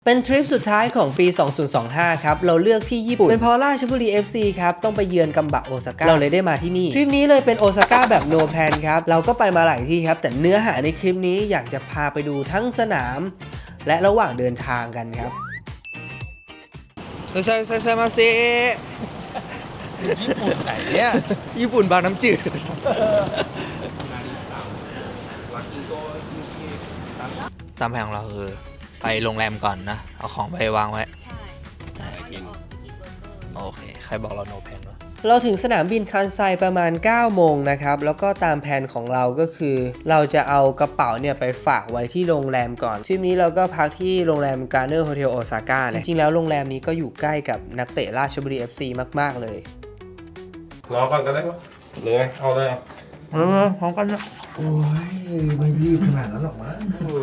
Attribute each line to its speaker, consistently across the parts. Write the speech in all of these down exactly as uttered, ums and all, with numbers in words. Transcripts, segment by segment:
Speaker 1: เป็นทริปสุดท้ายของปี สองพันยี่สิบห้า ครับเราเลือกที่ญี่ปุ่นเป็นเพราะราชบุรี เอฟ ซี ครับต้องไปเยือนกัมบะโอซาก้าเราเลยได้มาที่นี่ทริปนี้เลยเป็นโอซาก้าแบบโนแพลนครับเราก็ไปมาหลายที่ครับแต่เนื้อหาในคลิปนี้อยากจะพาไปดูทั้งสนามและระหว่างเดินทางกันครับ
Speaker 2: ใส่ใส่ใส่มาเซ
Speaker 3: ญี่ปุ่นไหนเนี่ย
Speaker 2: ญี่ปุ่นบางน้ำจืดตามแผนของเราคือไปโรงแรมก่อนนะเอาของไปวางไว้ใช่โอเคใครบอกเราโนแพนวะ
Speaker 1: เราถึงสนามบินคันไซประมาณเก้าโมงนะครับแล้วก็ตามแผนของเราก็คือเราจะเอากระเป๋าเนี่ยไปฝากไว้ที่โรงแรมก่อนทริปนี้เราก็พักที่โรงแรมการ์เนอร์โฮเทลโอซาก้าจริงๆแล้วโรงแรมนี้ก็อยู่ใกล้กับนักเตะราชบุรี เอฟ ซี มากๆเลย
Speaker 3: รอก่อนก็ได้ปะหรือไงเอาเลย
Speaker 2: เออพร้อมกันนะ
Speaker 3: โอ้ยไม่รีบขนาดนั้นหรอกมั้ง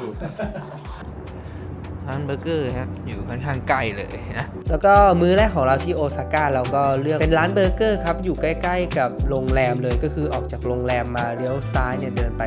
Speaker 2: ร้านเบอร์เกอร์ครับอยู่ค่อนข้างใกล้เลยนะ
Speaker 1: แล้วก็มื้อแรกของเราที่โอซาก้าเราก็เลือกเป็นร้านเบอร์เกอร์ครับอยู่ใกล้ๆกับโรงแรมเลยก็คือออกจากโรงแรมมาเลี้ยวซ้ายเนี่ยเดินไป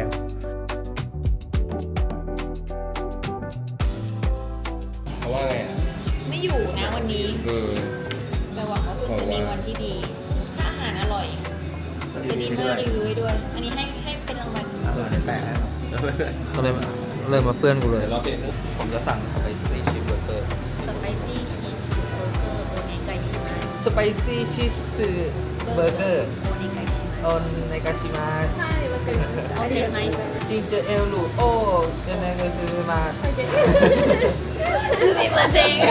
Speaker 3: เขาว่าไง
Speaker 4: ไม่อยู่นะวันนี้แต่หวังว่าคุณจะมีวันที่ดีอาหารอร่อยจะดีมากรีวิวให้ด้วยอันนี้ให้ให้เป็นรางวัล
Speaker 3: แปลก
Speaker 2: ก็เลยเริ่มมาเพื่อนกูเลยผมจะสั่งสไปซี่ชีสเบอร์เกอร์
Speaker 4: สไปซี่ชีสเบอร์เกอร์โอเนไกชิมัส
Speaker 2: สไปซี่ชีสเบอร์เกอร์
Speaker 4: โอเนไกชิมัส
Speaker 2: โอเนไกชิมัส
Speaker 4: ใช่มันเป็นเอาเด็ดไหม
Speaker 2: จิงเจอเอลลูโอเอเนไกชิมัส
Speaker 4: ไม่มาเซ็ง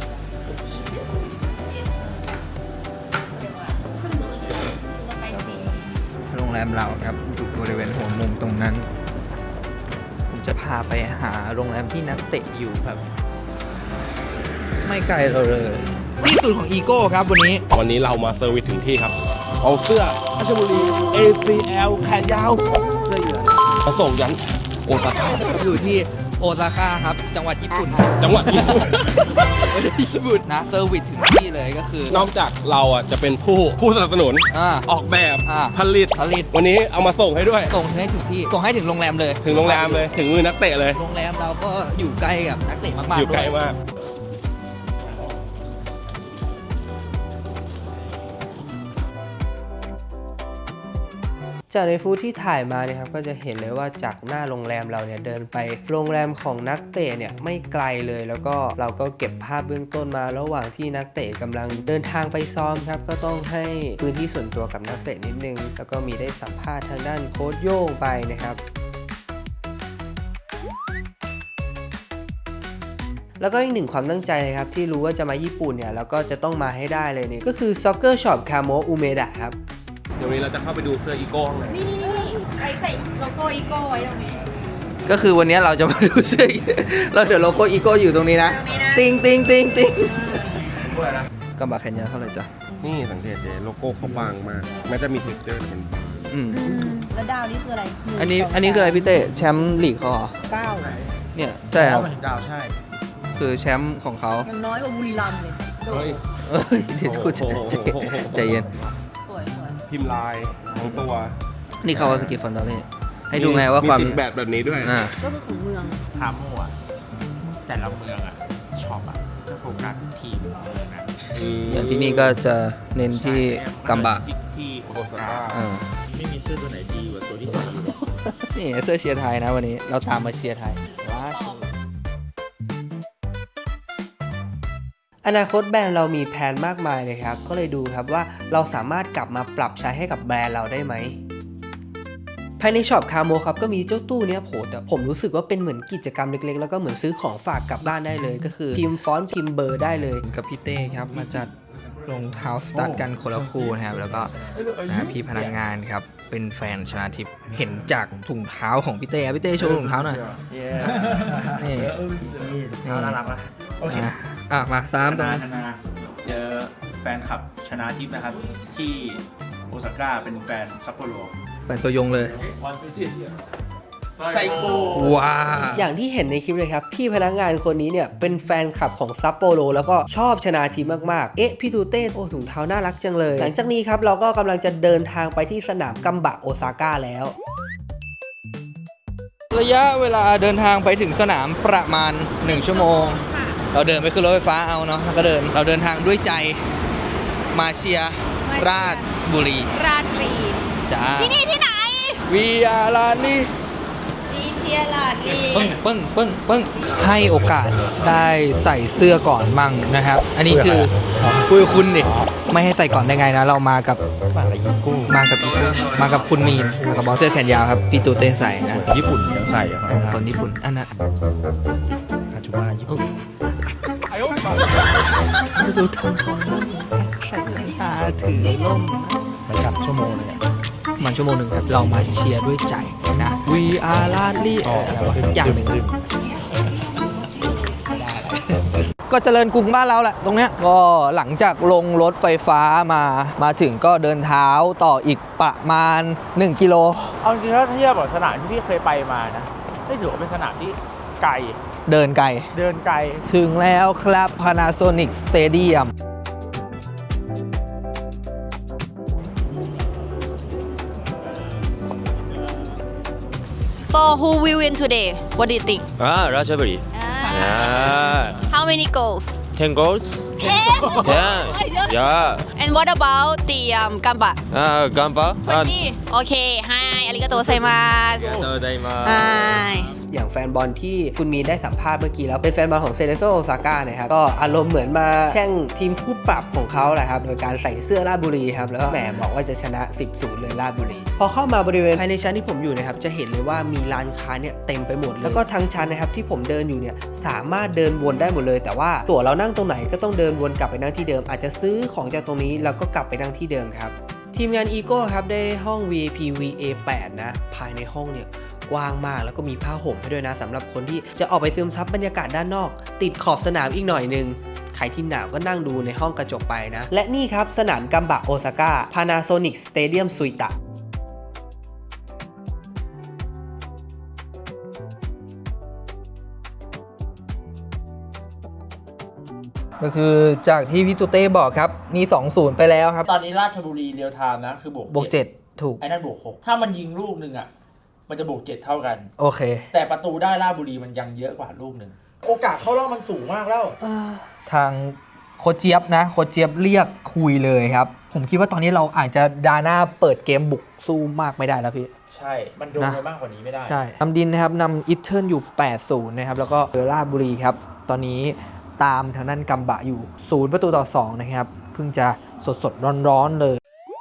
Speaker 2: โรงแรมเราครับอยู่บริเวณหัวมุมตรงนั้นผมจะพาไปหาโรงแรมที่นักเตะอยู่ครับไม่ไกลเราเลยที่สุดของอีโก้ครับวันนี้
Speaker 3: วันนี้เรามาเซอร์วิสถึงที่ครับเอาเสื้อราชบุรี เอ ซี แอล แขนยาวเสื้อเหลืองมาส่งยันโอซาก้า
Speaker 2: อยู่ที่โอซาก้าครับจังหวัดญี่ปุ่น
Speaker 3: จังหวัดญี่ปุ่น
Speaker 2: ไม่ได้ญี่ปุ่นนะเซอร์วิสถึงที่เลยก็คือน
Speaker 3: อกจากเราอ่ะจะเป็นผู้ผู้สนับสนุนออกแบบผลิต
Speaker 2: ผลิต
Speaker 3: วันนี้เอามาส่งให้ด้วย
Speaker 2: ส่งให้ถึงที่ส่งให้ถึงโรงแรมเลย
Speaker 3: ถึงโรงแรมเลยถึงมือนักเตะเลย
Speaker 2: โรงแรมเราก็อยู่ใกล้กับนักเตะมากๆ
Speaker 3: อยู่ใกล้มาก
Speaker 1: จากในฟู้ดที่ถ่ายมาเนี่ยครับก็จะเห็นเลยว่าจากหน้าโรงแรมเราเนี่ยเดินไปโรงแรมของนักเตะเนี่ยไม่ไกลเลยแล้วก็เราก็เก็บภาพเบื้องต้นมาระหว่างที่นักเตะกำลังเดินทางไปซ้อมครับก็ต้องให้พื้นที่ส่วนตัวกับนักเตะนิดนึงแล้วก็มีได้สัมภาษณ์ทางด้านโค้ชโย่งไปนะครับแล้วก็อีกหนึ่งความตั้งใจนะครับที่รู้ว่าจะมาญี่ปุ่นเนี่ยแล้วก็จะต้องมาให้ได้เลยนี่ก็คือ Soccer Shop Kamo Umeda ครับ
Speaker 3: เดี๋ยวนี้เราจะเข้าไปดูเสื้ออีโก้ข้างใน
Speaker 4: นี่นี่นี่ใส่ใส่โลโก้อีโก้ไว้ตรงนี้
Speaker 2: ก็คือวันนี้เราจะมาดูเสื้อเราเดี๋ยวโลโก้อีโก้อยู่ตรงนี้นะติงติงติงติงกำบะแขนยาวเท่าไหร่จ๊ะ
Speaker 3: นี่สังเกตเลยโลโก้เขาบางมากแม้จะมีเท็กเจอร์แต่มันบาง
Speaker 2: อืม
Speaker 4: แล้วดาวนี่คืออะไร
Speaker 2: อันนี้อันนี้คืออะไรพี่เต้แชมป์ลีกเขาเหรอ
Speaker 4: เก้า
Speaker 2: เนี่ยใช่ครับ
Speaker 3: ดาวใช่
Speaker 2: คือแชมป์ของเขา
Speaker 4: ยังน้อยกว่าบุรีรัมย์เลย
Speaker 3: เฮ้ย
Speaker 2: เดี๋ยวกูใจเย็น
Speaker 3: พิมพ์ลายทั้งตัว
Speaker 2: นี่เขาว่าสกิฟฟอนดอเล่ให้ดูไงว่าความ
Speaker 3: แบบแบบนี้ด้วย
Speaker 4: ก็คือของเมือง
Speaker 5: พาโม่อะแต่ละเมืองอะช็อปอะจะโฟกัสทีมเมืองนะ
Speaker 2: อย่างที่นี่ก็จะเน้นที่กัมบะ
Speaker 5: ที่โอซาก้าไม่มีเสื้อตัวไหนดีกว่าตัวที่สี่
Speaker 2: นี่เสื้อเชียร์ไทยนะวันนี้เราตามมาเชียร์ไทยว้า
Speaker 1: อนาคตแบรนด์เรามีแผนมากมายเลยครับก็เลยดูครับว่าเราสามารถกลับมาปรับใช้ให้กับแบรนด์เราได้ไหมภายในช็อปคาโมครับก็มีเจ้าตู้เนี้ยโผล่แต่ผมรู้สึกว่าเป็นเหมือนกิจกรรมเล็กๆแล้วก็เหมือนซื้อของฝากกลับบ้านได้เลยก็คือพิมพ์ฟอนต์พิมพ์เบอร์ได้เลย
Speaker 2: กับพี่เต้ครับมาจัดรองเท้าสตั๊ดกันคนละคู่นะครับแล้วก็พี่พนักงานครับเป็นแฟนชนาทิพย์เห็นจากถุงเท้าของพี่เต้พี่เต้โชว์ถุงเท้าหน่อยนี่
Speaker 5: น่ารักนะ
Speaker 2: โอเคอ่ะมาตาม
Speaker 5: ตามเจอแฟนคลับชนาทิพย์นะครับที่โอซาก้าเป็นแฟนซัปโปโร
Speaker 2: แฟนตัวยงเลย
Speaker 5: ไซโก
Speaker 2: ว้า
Speaker 1: อย่างที่เห็นในคลิปเลยครับพี่พนักงานคนนี้เนี่ยเป็นแฟนคลับของซัปโปโรแล้วก็ชอบชนาทิพย์มากๆเอ๊ะพี่ตูเต้โอ้ถุงเท้าน่ารักจังเลยหลังจากนี้ครับเราก็กำลังจะเดินทางไปที่สนามกัมบะโอซาก้าแล้ว
Speaker 2: ระยะเวลาเดินทางไปถึงสนามประมาณหนึ่งชั่วโมงเราเดินไปขึ้นรถไฟฟ้าเอาเนาะแล้วก็เดินเราเดินทางด้วยใจมาเชียร์ราชบุรี
Speaker 4: ราชบุรี
Speaker 2: จ้า
Speaker 4: ที่นี่ที่ไหน
Speaker 2: วีอาร์ลาลี
Speaker 4: วีเชียร์ลาดลี
Speaker 2: ปึ้งปึ้งปึ้งปึ้งให้โอกาสได้ใส่เสื้อก่อนมั่งนะครับ อันนี้คือคุยกับคุณดิไม่ให้ใส่ก่อนได้ไงนะ เรามากับมากับอีกุ้งมากับอีกุ้งมากับคุณมีนมากับบอสเสื้อแขนยาวครับพี่ตูเต้ใส่นะ
Speaker 3: ญี่ปุ่นยังใส่อะ
Speaker 2: เออคนญี่ปุ่นอันนั้น
Speaker 3: อาจูมาญี่ปุ่น
Speaker 2: ดูทำทรงใส่แว่นตาถือล่ม
Speaker 3: ไปกลับชั่วโมงเลยอะ
Speaker 2: มันชั่วโมงหนึ่งครับ เรามาเชียร์ด้วยใจนะ We are Lali อะไรวะสักอย่างหนึ่งก็เจริญกรุงบ้านเราแหละตรงเนี้ยก็หลังจากลงรถไฟฟ้ามามาถึงก็เดินเท้าต่ออีกประมาณ หนึ่ง กิโล
Speaker 6: เอาจริงๆถ้าเทียบกับสนามที่พี่เคยไปมานะไม่ถือว่าเป็นสนามที่ไกล
Speaker 2: เดินไกล
Speaker 6: เดินไกล
Speaker 2: ถึงแล้วครับ Panasonic Stadium
Speaker 4: So who will win today? What do you think?
Speaker 7: Ah, Rajaburi.
Speaker 4: Ah.
Speaker 7: Yeah.
Speaker 4: How many goals?
Speaker 7: Ten goals?
Speaker 4: Ten.
Speaker 7: Ten. Yeah.
Speaker 4: And what about the um, gamba?
Speaker 7: Ah, Gamba. Ah,
Speaker 4: twenty. Okay. Hi. ありがとうございます。
Speaker 7: Arigatou
Speaker 4: Hi.
Speaker 1: อย่างแฟนบอลที่คุณมีนได้สัมภาษณ์เมื่อกี้แล้วเป็นแฟนบอลของเซเลโซโอซาก้านะครับก็อารมณ์เหมือนมาแช่งทีมคู่ปรับของเขาแหละครับโดยการใส่เสื้อราชบุรีครับแล้วก็แหมบอกว่าจะชนะ สิบศูนย์ เลยราชบุรีพอเข้ามาบริเวณภายในชั้นที่ผมอยู่นะครับจะเห็นเลยว่ามีร้านค้าเนี่ยเต็มไปหมดแล้วก็ทั้งชั้นนะครับที่ผมเดินอยู่เนี่ยสามารถเดินวนได้หมดเลยแต่ว่าตั๋วเรานั่งตรงไหนก็ต้องเดินวนกลับไปนั่งที่เดิมอาจจะซื้อของจากตรงนี้แล้วก็กลับไปนั่งที่เดิมครับทีมงานอีโก้ครับได้ห้อง วี ไอ พี วี เอ แปด นะภายในห้องเนี่ยกว้างมากแล้วก็มีผ้าห่มให้ด้วยนะสำหรับคนที่จะออกไปซึมซับบรรยากาศด้านนอกติดขอบสนามอีกหน่อยนึงใครที่หนาวก็นั่งดูในห้องกระจกไปนะและนี่ครับสนามกัมบะโอซาก้า Panasonic Stadium Suita
Speaker 2: ก็คือจากที่พี่ตูเต้บอกครับมี สองศูนย์ ไปแล้วครับ
Speaker 6: ตอนนี้ราชบุรีเรียลไทม์นะคือบวก
Speaker 2: บวกเจ็ดถูก
Speaker 6: ไอ้นั่นบวกหกถ้ามันยิงลูกหนึ่งอ่ะมันจะบวกเจ็ดเท่ากัน
Speaker 2: โอเค
Speaker 6: แต่ประตูได้ราชบุรีมันยังเยอะกว่าลูกหนึ่งโอกาสเข้ารอบมันสูงมากแล้ว
Speaker 2: ทางโคชเจี๊ยบนะโคชเจี๊ยบเรียกคุยเลยครับ ผมคิดว่าตอนนี้เราอาจจะดาหน้าเปิดเกมบุกสู้มากไม่ได้แล้วพี่
Speaker 6: ใช่มันโดนไปมากกว่านี้ไม่ได้
Speaker 2: ใช่นำดินนะครับนำอิตเทิร์นอยู่ แปดศูนย์ นะครับ แล้วก็ราชบุรีครับ ตอนนี้ตามทางด้านกัมบะอยู่ ศูนย์ ประตูต่อ สอง นะครับ เพิ่งจะสดสดร้อนๆเลย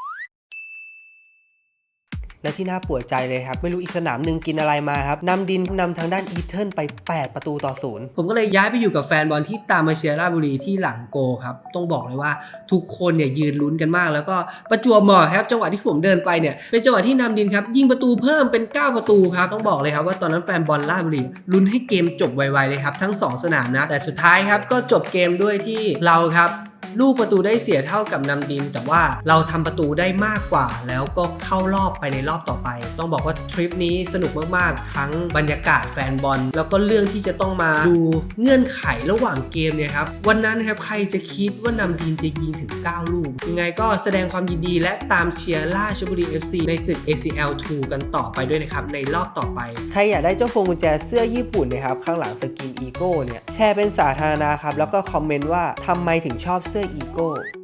Speaker 1: และที่น่าปวดใจเลยครับไม่รู้อีกสนามหนึ่งกินอะไรมาครับนำดินนำทางด้านอีเทิร์นไปแปดประตูต่อศูนย์ผมก็เลยย้ายไปอยู่กับแฟนบอลที่ตามมาเชียร์ราชบุรีที่หลังโกครับต้องบอกเลยว่าทุกคนเนี่ยยืนลุ้นกันมากแล้วก็ประจวบเหมาะครับจังหวะที่ผมเดินไปเนี่ยเป็นจังหวะที่นำดินครับยิงประตูเพิ่มเป็นเก้าประตูครับต้องบอกเลยครับว่าตอนนั้นแฟนบอลราชบุรีลุ้นให้เกมจบไวๆเลยครับทั้งสองสนามนะแต่สุดท้ายครับก็จบเกมด้วยที่เราครับลูกประตูได้เสียเท่ากับนำดินแต่ว่าเราทำประตูได้มากกว่าแล้วก็เข้ารอบไปในรอบต่อไปต้องบอกว่าทริปนี้สนุกมากๆทั้งบรรยากาศแฟนบอลแล้วก็เรื่องที่จะต้องมาดูเงื่อนไขระหว่างเกมเนี่ยครับวันนั้นครับใครจะคิดว่านำดินจะยิงถึงเก้าลูกยังไงก็แสดงความยินดีและตามเชียร์ราชบุรี เอฟ ซี ในศึก เอ ซี แอล ทู กันต่อไปด้วยนะครับในรอบต่อไปใครอยากได้เจ้าพวงกุญแจเสื้อญี่ปุ่นนะครับข้างหลังสกินอีโก้เนี่ยแชร์เป็นสาธารณะครับแล้วก็คอมเมนต์ว่าทำไมถึงชอบเสื้ออีโก้